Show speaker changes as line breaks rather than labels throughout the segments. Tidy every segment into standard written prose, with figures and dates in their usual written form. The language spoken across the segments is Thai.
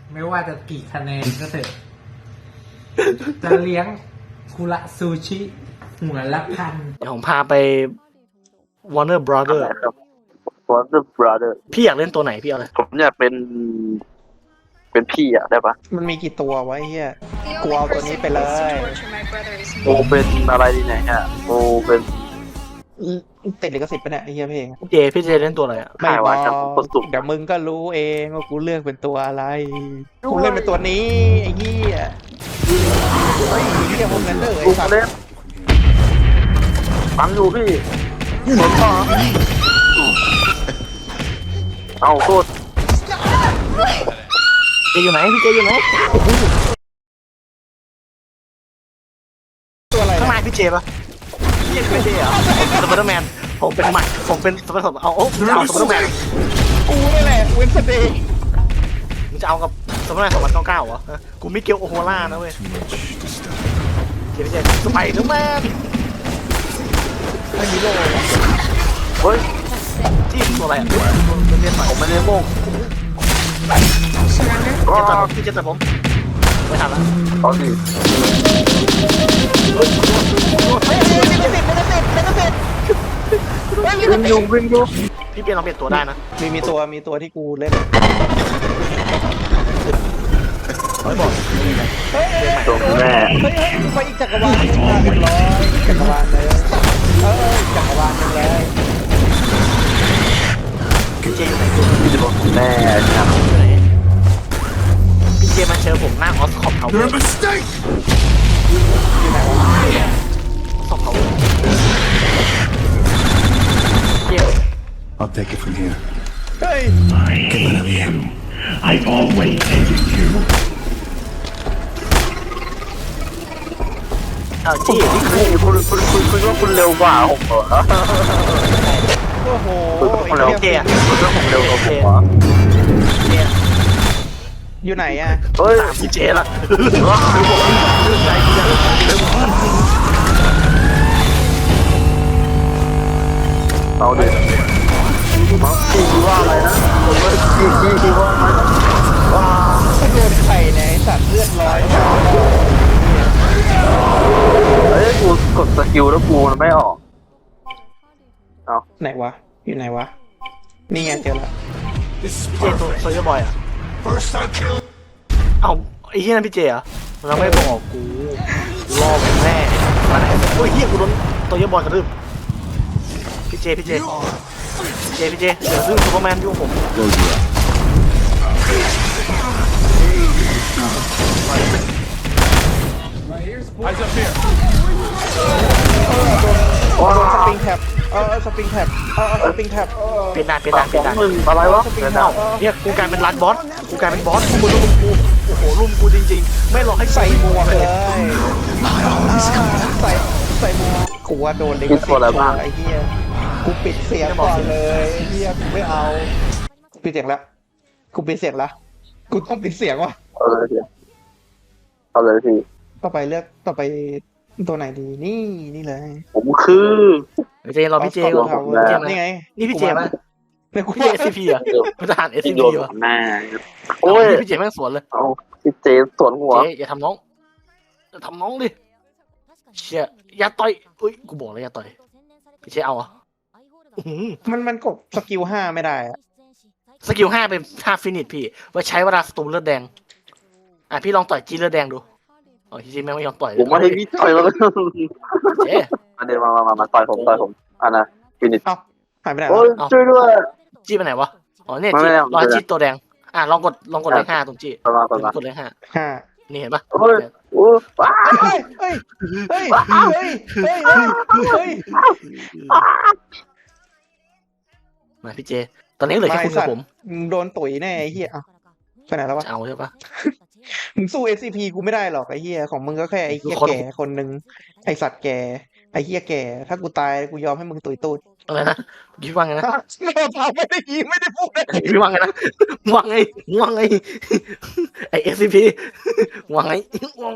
ไม่ว่าจะกี่คะแนนก็เถอะจะเลี้ยงคุระซูชิหัวละพัน
เดี๋ยวผมพาไป Warner Brother
ครับ Warner Brother
พี่อยากเล่นตัวไหนพี่เอาเลย
ผมอยากเป็นพี่อะได้ปะ
มันมีกี่ตัวไว้เฮียกูเอาตัวนี้ไปเลย
โอเป็นอะไรดีเนี่ยฮะโอเป็น
ติดลิขสิทธิ์ปะเนี่ยไอ้เฮียเพลง
พี่เจเล่นตัวอะไรอ่ะ
ไม่
ขาย
บ
ว่า
อก
จะประสบ
เดี๋ยวมึงก็รู้เองว่ากูเลือกเป็นตัวอะไรกูเล่นเป็นตัวนี้ไอ้เฮียเฮ้ยเฮียพวกนั้นเลย
ลูก
สัตว์
เล่นฟังอยู่พี่สนต่อเอาโทษ
เจอยู่ไหนพี่เจอยู่ไหน
ตัวอะไร
ข้างในพี่เจปะพี่ไม่เจเหรอสไปเดอร์แมนผมเป็นหมัดผมเป็นสไปเดอร์แมนเอาสไปเดอร์แมน
กูนี่แหละเวนสเดย์
มึงจะเอากับสไปเดอร์แมน2099เหรอกูมิเกลโอโฮล่านะเว้ยเจพี่เจสไปเดอร์แมน
ไม่มีโล่
เฮ้ย
ที่ตัวอะไรอ่ะเล่นใหม่
ผมไม่ได้โม่ง
พี่เจแต่ผมไม่ทันละ
เอาดิ วิ่งอยู่
พี่เปลี่ยนลองเปลี่ยนตัวได้นะ
มีตัวที่กูเล่น
ตรงแม่
เฮ้ยไปอีกจักรวาลนึงมาเรียบร้อยจักรวาลเลยจักรวาลนึงเลย
พี่เจอยู่ไหน
ตรงแม่ครับ
พี่เจมาเจอผมหน้าออสคอปเขาเลย
อยู่ไหนวะ
ออสคอปเขาเจ
I'll take it from here.
เฮ้ย
Get rid of you.
I've always hated you.
เอาจี
นี่คุณว่าคุณเร็วกว่าผมเหรอ
โอ้โห
คุณเร็ว
เจอะ
คุณว่าผมเร็วกว่าผมเหรอ
เจ
อยู่ไหนอะ
เฮ้ย
ตามพี่เจละ
เอาดิมาพี่ว่าอะไรนะผมว่าพี่ว่าอะไรนะ
โดนไข่เนี่ยไอ้สัตว์เลือดร้อย
เฮ้ยกูกดสกิลแล้วกูมันไม่ออก
ไหนวะอยู่ไหนวะนี่ไงเจอละ
พี่เจตัวโซเยอร์บอยอ่ะเอาไอ้เหี้ยนั่นพี่เจเหรอเราไม่บอกกูรอผมแน่มาไหนโอ้ยเหี้ยกูโดนโซเยอร์บอยกระทืบพี่เจเดี๋ยวซึ่งซูเปอร์แมนยุ่งผม
โดนสปริงแท็บสปริงแท็บสปริงแท็บ
เป็นด่าน
มึงอะไรวะ
เอ้าเนี่ยกูกลายเป็นรันบอสกูกลายเป็นบอสกูรุมกูโอ้โหรุมกูจริงๆไม่รอให้
ใส่หมวกเลย
I always come back.
ใส่หมวกกูว่าโดนลิขสิทธิ์ไอ้เหี้ยกูปิดเสียงก่อนเลยไอ้เหี้ยกูไม่เอาปิดเสียงแล้วกูปิดเสียงแล้วกูต้องปิดเสียงว่ะ
เอาเลยพี่
ต่อไปตัวไหนดีนี่เลย
ผมคือ
เจรอพี่เจก่อนพี่เจมา
นี่ไง
นี่พี่เจป่ะ
เนี่ยกู
พี่เจ
ว่า
SCP อ่ะเป็นทหาร
ที่
SCP
โดน
วะ
หน้า
โอ้
โอ้
ย
ย
พี่เจแม่งสวนเลย
เอาพี่เจสวนหัว
เจอย่าทำน้องดิเชี่ยอย่าต่อยอุ้ยกูบอกเลยอย่าต่อยพี่เจเอาอ่ะ
มันกดสกิล5ไม่ได้อะ
สกิล5เป็น5ฟินิชพี่ไว้ใช้เวลาสตูมเลือดแดงพี่ลองต่อยจีเลือดแดงดูอ๋อจีแม่งไม่ยอมต่อย
ผมว่าให้พี่ต่อยแล้ว
เจ
อันเดียวมาต่อยผมอันน่ะฟินิช
เอ้าหายไปไหน
โอ้ยช่วยด้วย
จีไปไหนวะอ๋อเนี่ย
ไม่
จี
ไม่
รอยจีตัวแดงลองกดเลข5ตรงจี
ประมาณ
กดเลข5
ห้า
นี่เห็นปะ
โอ้ยโอ้ว้า
เฮ้ยเฮ้ยเฮ้ยเฮ้ยเฮ้ยเฮ้ย
มาพี่เจตอนนี้เหลือแค่คุณกับผม
มึงโดนตุ๋ยแน่ไอ้เหี้ยไปไหนแล้ววะ
จะเอาใช่ปะ
มึงสู้ SCP กูไม่ได้หรอกไอ้เหี้ยของมึงก็แค่ไอ้เหี้ยแก่คนหนึ่งไอ้สัตว์แก่ไอ้เหี้ยแก่ถ้ากูตายกูยอมให้มึงตุ๋ยตูด
อะไรนะพี่ว่าไงนะ
ไม่ได้ยิงไม่ได้พูดเลย
พี่ว่าไงนะว่าไงไอ SCP ว่าไง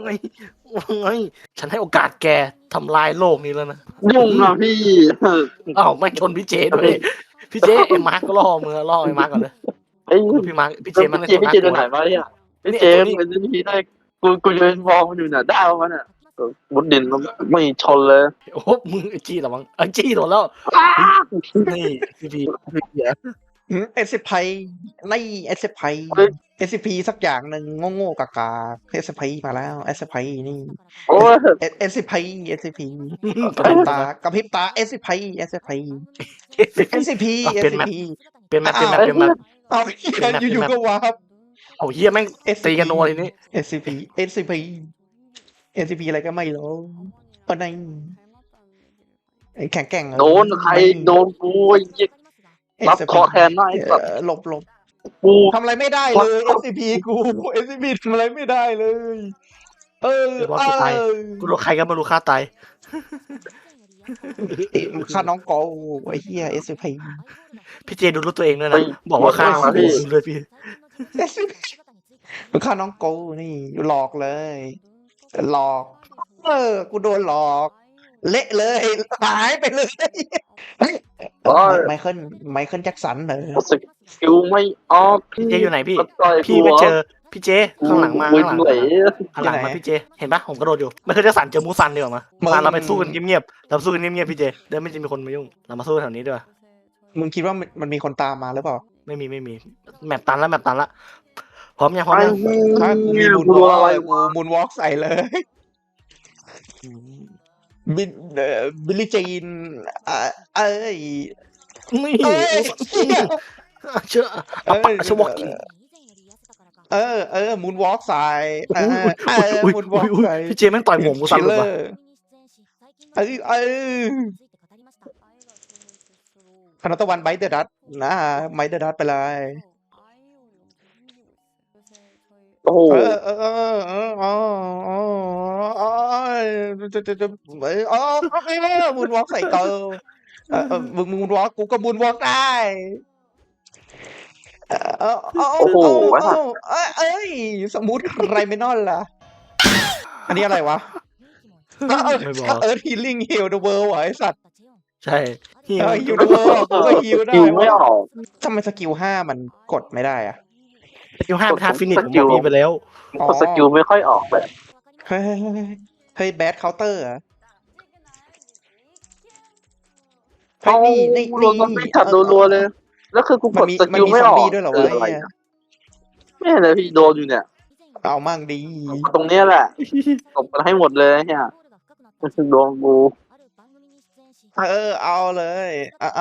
ฉันให้โอกาสแกทำลายโลกนี้แล้วนะ
ยุ่งอ่ะพี่
อ้าวไม่ชนพี่เจด้วยพี่เจไอ้มาร์กก็ล่อมือล่อไอ้มาร์กก่อนเลย
ไอ้
พี่มาร์กพี่
เจ
เจมัน
พี่เจตัวไหนมาเนี่ยพี่เจมเป็นพี่ได้กูยืนมองมันอยู่น่ะได้มันอ่ะมุดดินมันไม่ชนเลย
โอ้มึงไอ้จี้เหรอมั้งไอ้จี้โดนแล้วนี่พี่เหี้ย
SCP ใน SCP SCP สักอย่างหนึ่งโง่ๆกากา SCP มาแล้ว SCP นี่
โอ้ย
SCP SCP
ก
ก
ระ
ระพ
พ
ริ
ริ
บบ ตา
ตาก
ระพริบตา SCP SCP SCP
เป็นแมป
SCP
เป็นแมปเป็นแมป
เอาเหี้ยอยู่ๆก็วาร์ป
เอาเฮียแม่งตีกันโนทีนี้
SCP SCP SCP อะไรก็ไม่รู้ปะไนแข็งแกร่ง
โดนใครโดนกูไอ้ยิงรับเคราะห์แทนหน้าไอ้สัตว์
หลบ
กู
ทำอะไรไม่ได้เลย SCP กู SCP ทำอะไรไม่ได้เลย
เดี๋ยวว่ากูตาย กูรู้ใครก็ไม่รู้ฆ่าตาย
ฆ่าน้องโกไอ้เหี้ย SCP
พี่เจดูรู้ตัวเองด้วยนะบอกว่าฆ่ากูเลยพี่
มึงฆ่าน้องโกนี่หลอกเลย หลอก กูโดนหลอก เละเลยหายไปเลยไมเคิลแจ็คสันเหรอ
สกิลไม่ออก
พี่เจอยู่ไหนพี่
ต่อย
พี่ไปเจอพี่เจข้างหลังมา
กู
ข้างหลัง
ไหล
ข้างหลังมาพี่เจเห็นปะผมกระโดดอยู่ไม่เคยจะสั่นเจอมูซันดีกว่ามาซันเราไปสู้กันเงียบๆเราสู้กันเงียบๆพี่เจเดี๋ยวไม่จะมีคนมายุ่งเรามาสู้แถวนี้ด้วย
มึงคิดว่ามันมีคนตามมาหรือเปล่า
ไม่มีแมปตันละพร้อมยังพร้อมยัง
ถ้ากูมีมูน
กู
วอล์
อะไร
กกูมูนวอล์กใส่เลยบิลลี่จีนเอ้ย
นี่
เอ้ย
เชื่อเอาปะเชื่อวอกกิ้ง
มูนวอล์กใส่มูนวอล์กใส่
พี่เจแม่งต่อยหมวกมูซันเลยปะ
คณะตะวันไบเดอร์ดัตนะไบเดอร์ดัตไปเลย
โอ้โห
มูนวอล์กใส่กูมึงมูนวอล์กกูก็มูนวอล์กได้เอ้ยสมูทไรเมนอลล่ะ อันนี้อะไรวะ
ไม่บอก
เอิร์ธฮีลิ่งฮิลเดอะเวิลด์ไอ้สัตว์
ใช่ฮิว
ฮิลเดอะเวิลด์กูก็ฮิลได้
กิลไม่ออก
ทำไมสกิล5มันกดไม่ได้อะ
ฮิว5เป็นท่าฟินิชผมบอกพี่ไปแล้ว
สกิลไม่ค่อยออกแบบ
เฮ้ยแบดเคาน์เตอร์อะเฮ้ยนี่
มันไม่จัดรัวๆเลย แล้วคือกูกดส
มัน
กิล
มี
ไม่
ซอ
อ
ม
อก
บี้ด้วยเหรอวะ
อะไรนะไม่เลยพี่โดนอยู่เนี่ย
เอามั่งดี
ตรงเนี้ยแหละตบกันให้หมดเลยเนี่ยโดนกู
เอาเลยเอา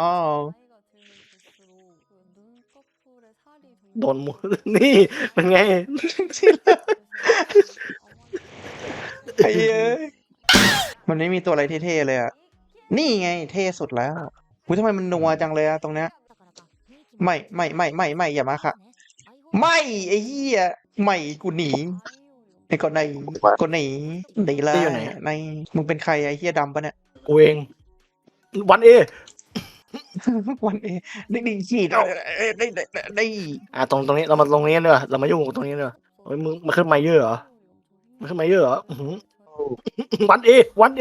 โดนหมดนี่เป็นไง
ไอ้เอ้ยมันไม่มีตัวอะไรเท่ๆเลยอ่ะ นี่ไงเท่สุดแล้วหูทำไมมันนัวจังเลยอะตรงเนี้ยไม่อย่ามาค่ะ ไม่ไอ้เหี้ยไม่กูหนีไอ้คนไหนคนหนีหนีละในมึงเป็นใครไอ้เหี้ยดำปะเนี่ย
กูเองวันเอ
วันเอนี่ฉีดได้
ตรงนี้เรามาตรงนี้เนอะเรามายุ่งกับตรงนี้เนอะเฮ้ยมึงมาขึ้นไมเยอร์เหรอมาขึ้นไมเยอร์เหรอวันเอ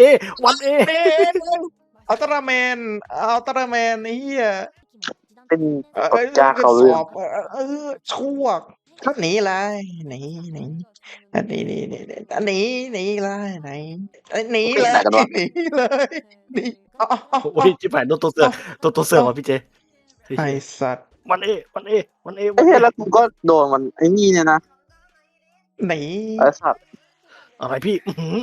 อัลตร้าแมนไอ้เหี้ย
เป็นกดจ้าเขาเรื่อง
ชั่วถ้าหนีเลยหนีหนีเลยหนีเลยหนีเลยหนี
โอ้ยจิ๋วแผนโดนตัวเสือมาพี่เจ
ไอสัตว์
วันเอ
ไอ้เหี้ยแล้วกูก็โดนมันไอ้นี่เนี่ยนะ
หนี
ไอ้สัตว์
อะไรพี่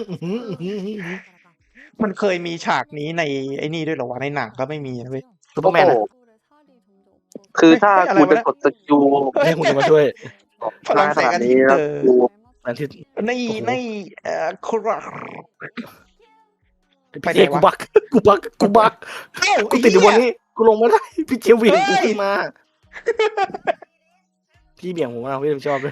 มันเคยมีฉากนี้ในไอ้นี่ด้วยเหรอวะในหนังก็ไม่มีนะเว้ย
ซูเปอร์แมน
คือถ้ากูจะกดสกิล
ให้คุณจะมาช่วย
พลังแสงอาทิตย์
กู
อันที่
ในครับ
พี่เจกูบักกูติดอยู่บนนี้กูลงไม่ได้พี่เจวิ่งกูขึ้นมาพี่เบี่ยงผมมาพี่ชอบเลย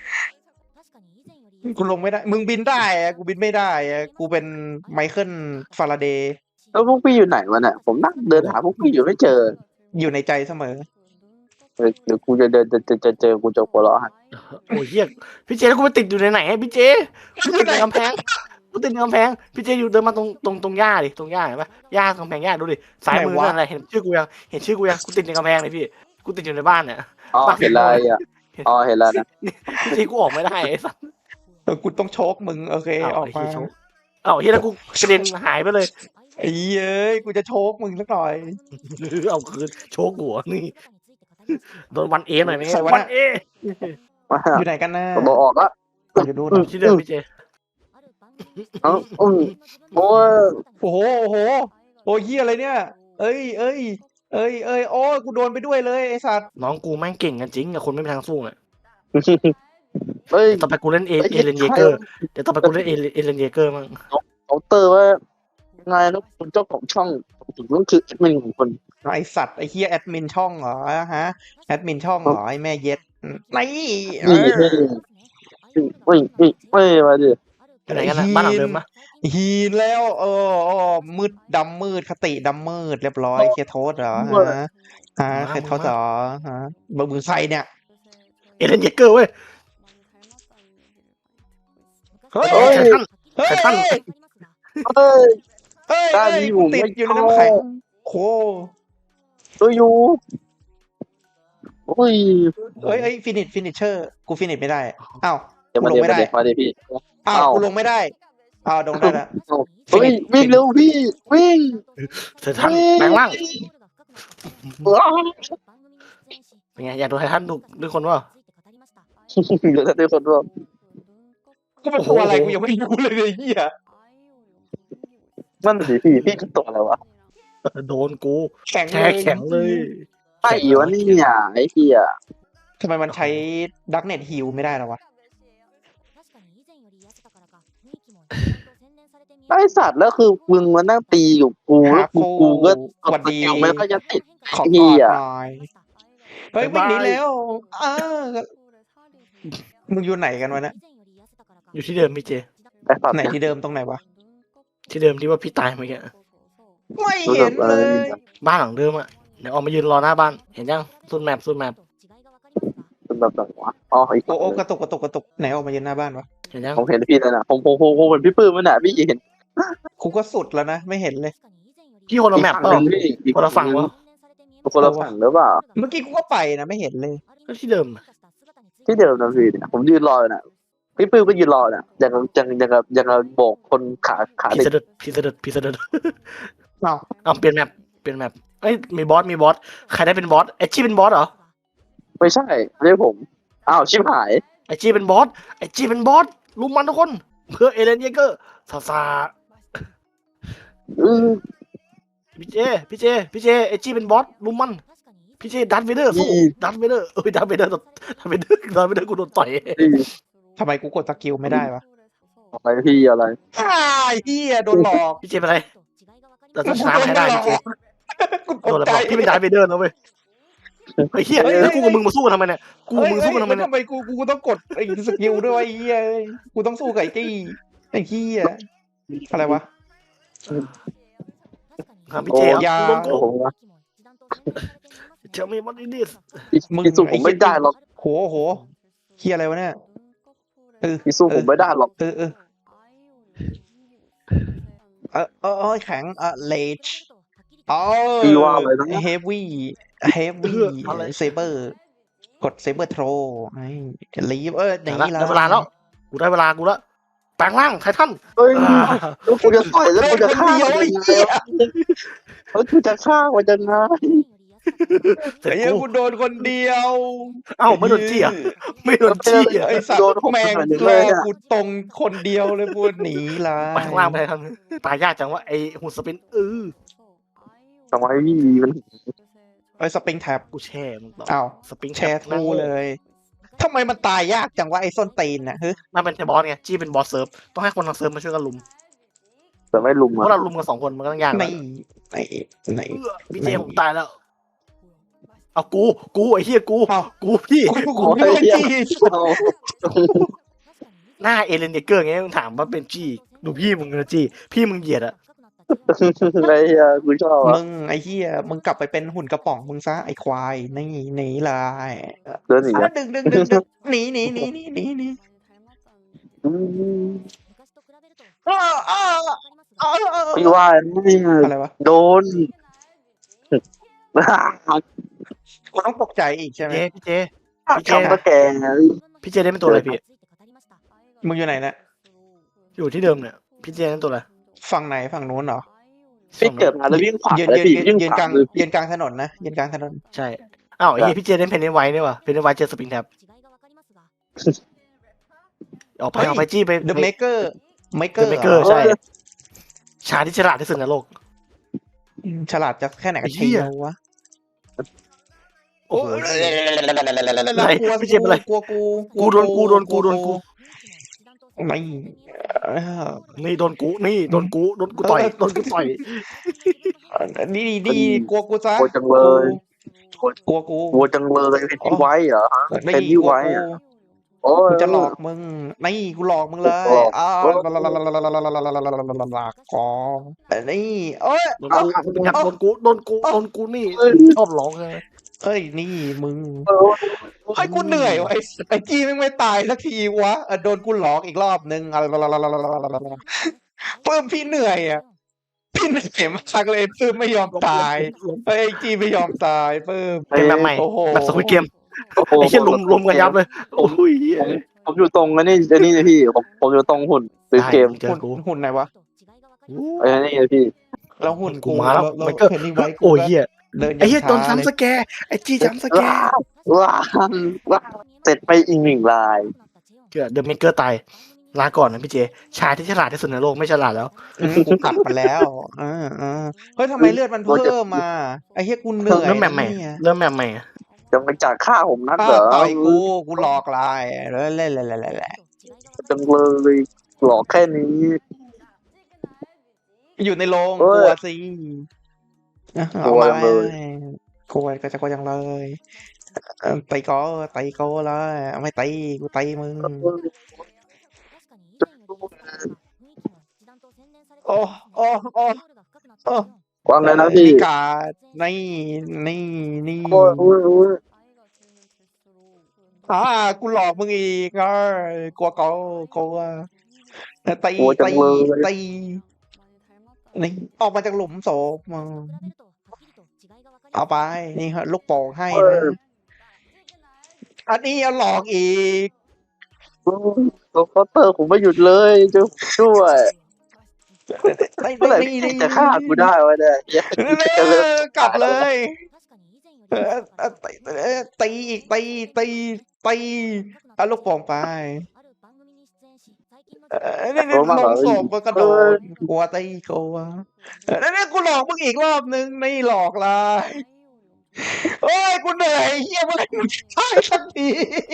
กูลงไม่ได้มึงบินได้อะกูบินไม่ได้อะกูเป็นไมเคิลฟาราเดย์
แล้วพวกพี่อยู่ไหนวะเนี่ยผมนั่งเดินหาพวกพี่อยู่ไม่เจอ
อยู่ในใจเสมอ
เดี๋ยวกูจะเดินจะเจอกูจะหัวเราะ
โอ้ยเฮียพี่เจแล้วกูไปติดอยู่ในไหนพี่เจกูติดในกำแพงพี่เจอยู่เดินมาตรงหญ้าดิตรงหญ้าเห็นปะหญ้ากำแพงหญ้าดูดิซ้ายมือนั่นอะไรเห็นชื่อกูยังกูติดในกำแพงเลยพี่กูติดอยู่ในบ้านเนี่ย
อ๋อเห็นอะไรอ่ะอ๋อเห็นแล้วนะ
ที่กูออกไม่ได้ไอ้สัส
กูต้องโชกมึงโอเคออกมา
เฮียแล้วกูกระเด็นหายไปเลย
ไอ้เอ้ยกูจะโชกมึงสักหน่อย
เอาคืนโชกหัวนี่โดนวันเอหน่อยไหม
ใครวะ
วันเอ
อยู่ไหนกันนะ
บอกออกละ
อยู่ดูหน่อย
ที่เดิมพี่เจ
เอ้าโอ้ย
โอ้โหโอ้โหโอ้ยเฮียอะไรเนี่ย เอ้ยโอ้ยกูโดนไปด้วยเลยไอ้สัตว์
น้องกูแม่งเก่งกันจริงอะคนไม่มีทางสู้อะ
เฮ้ย
ต่อไปกูเล่นเอเลนเยเกอร์เดี๋ยวต่อไปกูเล่นเอเลนเยเกอร์มั้ง
เคาน์เตอร์ว่าไงนะคุณเจ้าของช่องถึงต้องคือแอดมินของคน
ไอสัตว์ไอเฮียแอดมินช่องเหรอฮะแอดมินช่องเหรอไอแม่เย็ดนี่เอ
นี่
อ
ไม่มาดิ
ไปไหนกันนะบ้านหลังเดิมปะ
ฮีนแล้วมืดดำมืดคติดำมืดเรียบร้อยเคโทษเหรอฮะเคโทษเหรอฮะมึงใครเนี่ย
เอเลนเยเกอร์เว้ย
เฮ้ย
ไททัน
เฮ้ย
ไททัน
เฮ้ย
เฮ้ย
ด้านนี้ผม
ติด
ไม่
อยู่ใน
ชอบ
น้ำแข็งโค
ตัวอยู่โอ้ย
เฮ้ยฟินิชเชอร์กูฟินิชไม่ได้อ้าว
เดี๋ยว
กู
มา
ลง
เดี๋ยว
ไม่ได้
มาเดี๋ยวพี่
อ้าวกูลงไม่ได้อ้าวลงได้แล้ว
เฮ้ยวิ่งเร็วพี่วิ่ง
ไททันแปลงร่าง
ว้าว
เป็นไงอยากดูไททันดูคนว่า
เดี๋ยวถ้าได้คนร่วม
กูเป็นตัวอะไรกูยังไม่รู้เลยไอ้เหี้ย
นั่นสิพี่คือตัวอะไรวะ
โดนกู
แข็ง
แช่แข็งเลย
ไอ้วะนี่อ่ะไอ้พี่อ่ะ
ทำไมมันใช้ดักเน็ตฮิลไม่ได้หรอวะ
ไอ้สัตว์แล้วคือมึงมานั่งตีอยู่กูแล้วกูก็
สวัสดี
ไม่ก็จะติด
ขอก
เหี้
อด
ย
หน่อยเฮ้ยวิ่งหนีแล้วมึงอยู่ไหนกันวะเนี่ย
อยู่ที่เดิมพี่เจ
ไอ้สัตว์
ไหน
เนี่ย
ที่เดิมตรงไหนวะ
ที่เดิมที่ว่าพี่ตายเมื่อกี้
ไม่เห็นเลย
บ้านหลังเดิมอะเดี๋ยวออกมายืนรอหน้าบ้านเห็นยังสุดแมป
เป็นแบบไหนวะอ๋ออีก
โอ้กระตุกไหนออกมายืนหน้าบ้านวะ
เห็นยัง
ผมเห็นพี่แล้วนะผมเห็นพี่ปื้มมันน่ะพี่เห็น
กูก็สุดแล้วนะไม่เห็นเลย
พี่คนละแมปเปล่า
พี่อีก
คนละฝั่งวะ
คนละฝั่งหรือเปล่า
เมื่อกี้กูก็ไปนะไม่เห็นเลย
ก็ที่เดิม
ที่เดิมนะพี่เนี่ยผมยืนรออยู่น่ะพี่ปื้มก็ยืนรอน่ะอย่างโบกคนขา
พี่
เด็ก
เสด็จ
อ้าว
เอาเปลี่ยนแมปเอ้ยมีบอสใครได้เป็นบอสไอจี้เป็นบอสเหรอ
ไม่ใช่ไม่ใช่ผมอ้าวชิบหาย
ไอจี้เป็นบอสลุมมันทุกคนเพื่อเอเลนเยเกอร์ซา พี่เจไอจี้เป็นบอสลุมมันพี่เจดัตเวเดอร์สู้ดัตเวเดอร์ดัตเวเดอร์กูโดนต่อย
ทำไมกูกดสกิลไม่ได้วะ
อะไรพี่อะไร
เฮียโดนหลอก
พี่เจเป็นไรเราต้องชนะให้ได้พี่เจ
กูต
โด
ก
นอะไร
ใจ
บอกพี่เป็นดัตเวเดอร์นะเว้ยไอ้เหี้ยแล้วกูกับมึงมาสู้กันทำไมเนี่ยกูกับมึงสู้กันทำไมเนี่ย
ทำไมกูต้องกดไอ้สกิลด้วยวะไอ้เฮียกูต้องสู้กับไอ้จี้ไอ้เฮียอะไรวะ
ครับพี่เจโดนกู
โอ้โห
เจ้ามีมันอินดิส
พี่สู้ผมไม่ได้หรอก
โหเฮียอะไรวะเนี่ย
พี่สู้ผมไม่ได้หรอก
แข็งเลชอ๋อ
พี่ว่าอะไรนะ
เฮฟวี่เซเบอร์กดเซเบอร์โทรไอ้ลีฟ
ได้
อย่างนี้ละ
เวลาแล้วกูได้เวลากูแล้วแปลงร่างไททัน
เฮ้ยแล้วกูจะต่อยแล้วกูจะฆ่ามันยังไงแล้วกูจะฆ่ามันยังไง
เสร็จ
ไอ้เหี้ย
กู
กูโดนคนเดียว
เอ้าไม่โดนจี้อ่ะไม่โดนจี้อ่ะ
ไอ้สัตว์แม่งแรกกูตรงคนเดียวเลยพูดหนีละ
แปลงร่างไปไททันตายยากจังว่าไอ้หุ่นสปิน
ทำไมพี่มัน
ไอ้สปริงแท็บ
กูแช่มึงต่อ
อ้าว
สปริง
แชร์ทูเลยทำไมมันตายยากจังวะไอ้ส้นตีนน่ะเฮ้ย
น่าเป็นบอสไงจี้เป็นบอสเซิร์ฟต้องให้คนทางเซิร์ฟมาช่วยกันลุม
แต่ไม่ลุม
เพ
อ่ะ
ราะเราลุมกัน2 คนมันก็ต้องยาก
ไหน
แล้ว
ไหน
พี่เจผมตายแล้ว เอากูไอ้เหี้ยกู
อ้าว
กูพี่
กูไม่ได้จี้
หน้าเอเลนเดเกอร์ไงมึงถามว่าเป็นจี้ดูพี่มึงนะจี้พี่มึงเหยียดอะ
ไอ้เหี้ยกูชอบอ่ะ
มึงไอ้เหี้ยมึงกลับไปเป็นหุ่นกระป๋องมึงซะไอ้ควายนี่หนีเลย
เดินหนีอ่ะ
ดึงหนี
พี่ว่านี่
อะไรวะ
โดน
กูต้องตกใจอีกใช่ไหม
พี่เจพี่เจ
จำตะแกรง
พี่เจได้เป็นตัวอะไรพี่
มึงอยู่ไหนนะ
อยู่ที่เดิมเนี่ยพี่เจนั่นตัวอะไร
ฝั่งไหนฝั่งนู้นเหรอ
พี่เกิดมาแล้ววิ่งขวา
ยืน
เลย
ยืน
พี่
ยืน
วิ่ง
ยืน
ข
ก
วา
ลาง
เลย
ยืนกลางถนนนะยืนกลางถนน
ใช่อ้าวไอ้เหี้ยพี่เจได้เพนนิไวท์นี่ว่ะเพนนิไวท์เจอสปริงแท็บออกไป
เฮ้ย
ออกไปจี้ไป
The Maker Maker
เดอะเมเกอร์ใช่ชาที่ฉลาดที่สุดในโลก
ฉลาดจะแค่ไหนกัน
ไอ้เหี้
เชี
ย
ยววะ
โอ้โห
อะไร
พี่เจมส์อะไร
กลัวกู
กูโดนกูโดนกูโดนกู
ไม่
นี่โดนกูนี่โดนกูต่อยโดนกูต่อย
นี่ดีกลัวกูซะ
กลัวจังเลย
กลัวกู
กลัวจังเลยเป็นที่ไว้เหรอ
นี่
เป็นที่ไว้อะ โอ้ย
กูจะหลอกมึงนี่กูหลอกมึงเลย
หลอก
อ้าว
โอ้ย
หลอกกอนี่เอ้ย
โดนกูสปริงแท็บโดนกูนี่ชอบร้องเลย
เอ้ยนี่มึง
เออ
ให้กูเหนื่อยวะไอ้กี้ไม่ตายสักทีวะโดนกูหลอกอีกรอบนึงเพิ่มพี่เหนื่อยอ่ะพี่เหนื่อยมากเลยเพิ่มไม่ยอมตายไอ้กี้ไม่ยอมตายเพิ่ม
เป็นแบบใหม่
โอ้โห
แบบสควิดเกม
โอ้โห
ไอ้เหี้ยลุมกันยับเลยโอ้ยเหี้ย
ผมอยู่ตรงอันนี้เลยพี่ผมอยู่ตรงหุ่นซื้อเกม
เจอกู
หุ่นไหนวะ
ไอ้นี่เลยพี่
แล้วหุ่น
กูมาแล้ว
แล้ว
มันก็
เพนนี่ไว้กู
โอ้ยเหี้ย
เดิน
ไอ้เหี้ยโดน
ช้า
ซ้ำสแกร์ไอ้จี้ซ้ำสแก
ว้า
ร์
ว้าว้าเสร็จไปอีกหนึ่งลาย
เกิดเดอะเมเกอร์ตายลาก่อนนะพี่เจชายที่ฉลาดที่สุดในโลกไม่ฉลาดแล้ว
กูกลับมาแล้วเฮ้ยทำไมเลือดมันเพิ่มมาไอ้เหี้ยกูเหนื่อย
เริ่มแบบใหม่
เนี่ย
เริ่มแบบใหม่
จะมาจากฆ่าผมนักเหรอ
ต่อยกูหลอกลายเล่น
จังเลยหลอกแค่นี้
อยู่ในโรง
เอ้
ก
ย
ลัวสิ
กลัวจังเลย
กลัวก็จะกลัวจังเลยตีก็เลยไม่ตีกูตีมึงโอ้โอ้โอ้โอ้
วางเลยนะพี่
กาดนี่
โอ้ยโอ้ยโอ้ย
กูหลอกมึงอีกกลัวตี
กลัวจังเลย
ตีนี่ออกมาจากหลุมศพมึงเอาไปนี่ฮะลูกโป่งให้นะอันนี้เอาหลอกอีก
ตัวเคาน์เตอร์ผมไม่หยุดเลยจะช่วยเมื่อไหร่พี่จะฆ่ากูได้วะเนี่ยจะเลิก
กลับเลยตีอีกตีเอาลูกโป่งไปนี่ลงศพก็กระโดดกลัวตีกลัวนี่กูหลอกมึงอีกรอบนึงไม่หลอกเลยโอ้ยกูเหนื่อยเฮียเมื่อไหร่มึงจะตายสักที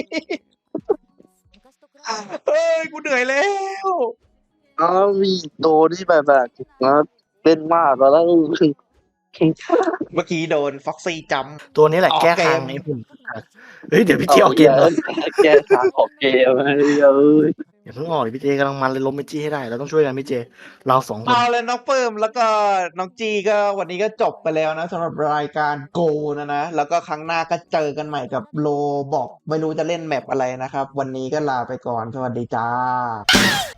เฮ้ยกูเหนื่อยแล้ว
อ๋อมีโดนี่แบบเล่นมากแล้ว
เมื่อกี้โดนฟ็อกซี่จ
ตัวนี้แหละ
ออก
แก้
เกม
ทางไอ้ผมเฮ้ยเดี๋ยวพี่เจออกเกมแล้ว
แกทางออกเกมเอ้ย
อย่าเพิ่งออกดิพี่เจกำลังมันเลยล้มไปจี้ให้ได้เราต้องช่วยกันพี่เจเราสอง
ำ
คน
เอาเลยน้องเฟิร์มแล้วก็น้องจีก็วันนี้ก็จบไปแล้วนะสำหรับรายการโกนะแล้วก็ครั้งหน้าก็เจอกันใหม่กับโลบอกไม่รู้จะเล่นแมปอะไรนะครับ วันนี้ก็ลาไปก่อนสวัสดีจ้า